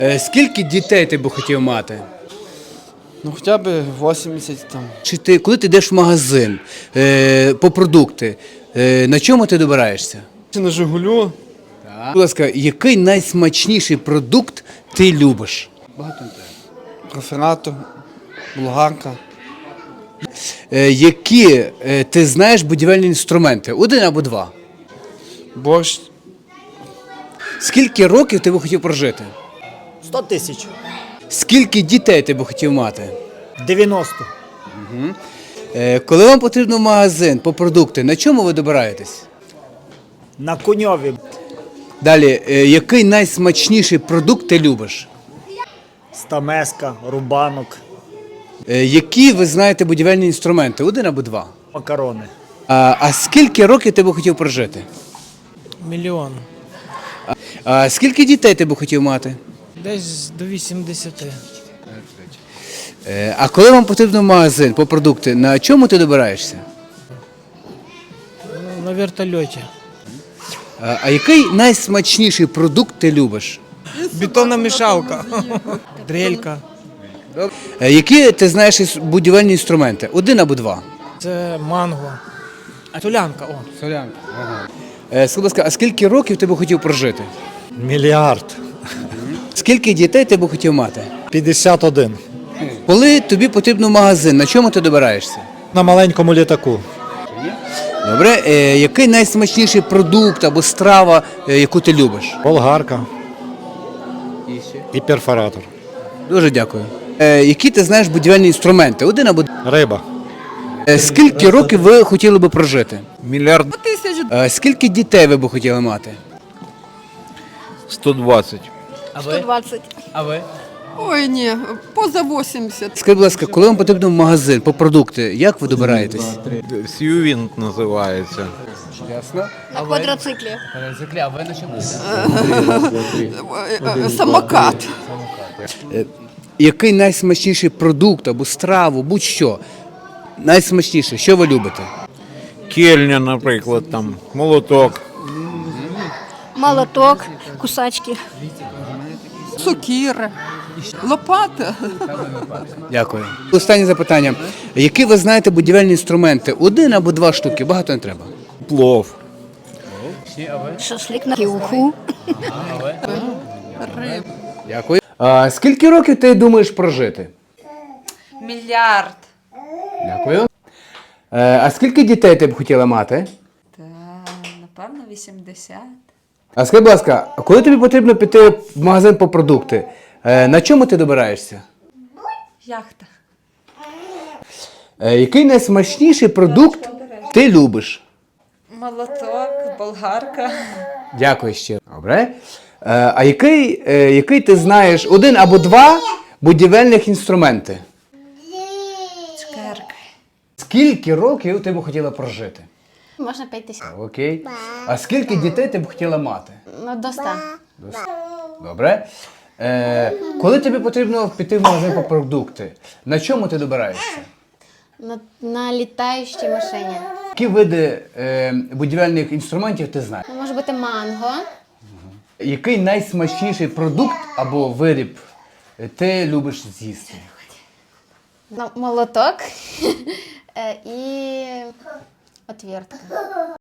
Скільки дітей ти би хотів мати? Ну хоча б 80 там. Коли ти йдеш в магазин по продукти, на чому ти добираєшся? Чи на Жигулю? Будь ласка, який найсмачніший продукт ти любиш? Багато не треба. Профінатор, болгарка. Які ти знаєш будівельні інструменти? Один або два? Борщ. Скільки років ти би хотів прожити? 100 тисяч. Скільки дітей ти би хотів мати? 90. Коли вам потрібно в магазин по продукти, на чому ви добираєтесь? На Коньові. Далі, який найсмачніший продукт ти любиш? Стамеска, рубанок, Які ви знаєте будівельні інструменти? Один або два? макарони. А скільки років ти би хотів прожити? Мільйон. А скільки дітей ти би хотів мати? Десь до 80. А коли вам потрібно в магазин по продукти, на чому ти добираєшся? Ну, на вертольоті. А який найсмачніший продукт ти любиш? Бетонна мішалка. Дрелька. Які ти знаєш будівельні інструменти? Один або два? Це манго. Солянка, о. Солянка. Ага. Скажи, будь ласка, а скільки років ти би хотів прожити? Мільярд. Скільки дітей ти би хотів мати? 51. Коли тобі потрібно в магазин, на чому ти добираєшся? На маленькому літаку. Добре, який найсмачніший продукт або страва, яку ти любиш? Болгарка. І перфоратор. Дуже дякую. Які ти знаєш будівельні інструменти? Один або два? Риба. Скільки років ви хотіли би прожити? Мільярд Скільки дітей ви б хотіли мати? 120. 120. А ви? Ой, ні, поза 80. Скажіть, будь ласка, коли вам потрібно в магазин по продукти, як ви добираєтесь? Сьювінт називається. Ясно. На квадроциклі. А ви на чому? Самокат. Який найсмачніший продукт або страву, будь-що? Найсмачніше, що ви любите? Кельня, наприклад, там, молоток. Молоток, кусачки. Сокира, лопата. Дякую. Останнє запитання. Які ви знаєте будівельні інструменти? Один або два штуки, багато не треба. Плов. Шашлик на кілку. Дякую. Скільки років ти думаєш прожити? Мільярд. Дякую. А скільки дітей ти б хотіла мати? Та, напевно, 80. А скажи, будь ласка, коли тобі потрібно піти в магазин по продукти, на чому ти добираєшся? Яхта. Який найсмачніший продукт ти любиш? Молоток, болгарка. Дякую ще. Добре. А який ти знаєш один або два будівельних інструменти? Цукерки. Скільки років ти б хотіла прожити? Можна 5 тисяч. Окей. А скільки дітей ти б хотіла мати? Ну, до 100. Добре. Коли тобі потрібно піти в магазин по продукти, на чому ти добираєшся? На літаючій машині. Які види будівельних інструментів ти знаєш? Може бути манго. Який найсмачніший продукт або виріб ти любиш з'їсти? Молоток і отвертка.